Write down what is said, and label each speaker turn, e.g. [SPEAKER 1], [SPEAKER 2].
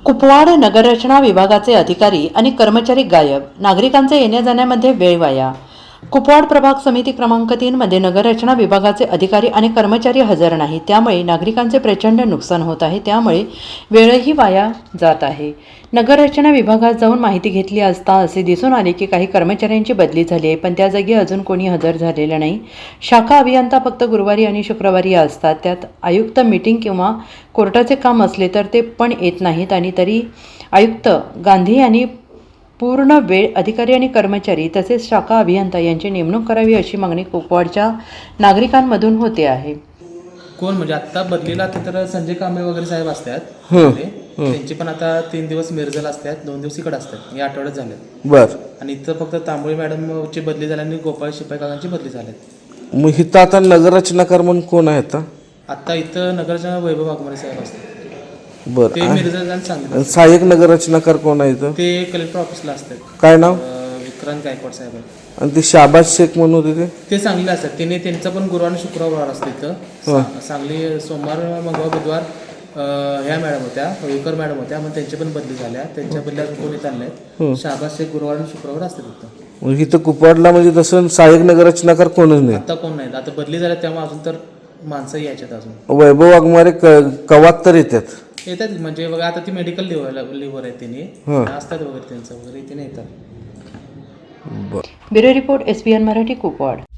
[SPEAKER 1] कुपवाड नगररचना विभागाचे अधिकारी आणि कर्मचारी गायब, नागरिकांचे येण्या जाण्यामध्ये वेळ वाया। कुपवाड प्रभाग समिती क्रमांक 3 मध्ये नगररचना विभागाचे अधिकारी आणि कर्मचारी हजर नाही, त्यामुळे नागरिकांचे प्रचंड नुकसान होत आहे, त्यामुळे वेळही वाया जात आहे। नगररचना विभागात जाऊन माहिती घेतली असता असे दिसून आले की काही कर्मचाऱ्यांची बदली झाली आहे, पण त्या जागी अजून कोणी हजर झालेलं नाही। शाखा अभियंता फक्त गुरुवारी आणि शुक्रवारी असतात, त्यात आयुक्त मीटिंग किंवा कोर्टाचे काम असले तर ते पण येत नाहीत आणि तरी आयुक्त गांधी यांनी पूर्ण वेळ अधिकारी आणि कर्मचारी तसेच शाखा अभियंता यांची नेमणूक करावी अशी मागणी कुपवाडच्या नागरिकांमधून होते आहे।
[SPEAKER 2] कोण म्हणजे आता बदलीला तर संजय कांबळे वगैरे साहेब असतात, त्यांची पण आता 3 दिवस मिरजला असतात, 2 दिवस इकडे असतात, या आठवड्यात झाले।
[SPEAKER 3] बर,
[SPEAKER 2] आणि इथं फक्त तांबोळी मॅडमची बदली झाली आणि गोपाळ शिपाई काकांची बदली झाली।
[SPEAKER 3] मग इथं आता नगररचनाकार म्हणून कोण आहे आता?
[SPEAKER 2] आता इथं नगरच्या वैभव वाघमारे साहेब असतात,
[SPEAKER 3] बर,
[SPEAKER 2] ते मिरजला सांगितलं।
[SPEAKER 3] सहाय्यक नगररचनाकार कोण आहे इथं?
[SPEAKER 2] ते कलेक्टर ऑफिसला असतात,
[SPEAKER 3] काय नाव?
[SPEAKER 2] विक्रांत गायकवाड साहेब आहेत।
[SPEAKER 3] आणि ते शाबाज शेख म्हणून होते
[SPEAKER 2] ते सांगलीला असतात, त्यांनी त्यांचं पण गुरुवार आणि शुक्रवार असतं इथं। सांगली सोमवार मंगळवार बुधवार ह्या मॅडम होत्या, विकर मॅडम होत्या, मग त्यांची पण बदली झाल्या, त्यांच्या बदल्या कोणी चालल्या। शाबाज शेख गुरुवार आणि शुक्रवार असतात इथं।
[SPEAKER 3] मग इथं कुपवाडला म्हणजे तसं सहाय्यक नगररचनाकार कोणच नाही
[SPEAKER 2] आता कोण नाही, आता बदली झाल्या त्यामुळे अजून तर माणसं यायच्यात अजून।
[SPEAKER 3] वैभव वाघमारे कवात तर येतात
[SPEAKER 2] म्हणजे बघा आता ती मेडिकल लिव्हर आहे, त्यांनी असतात वगैरे त्यांचं वगैरे इथे येतात।
[SPEAKER 1] Bureau report SBN Marathi Kupwad.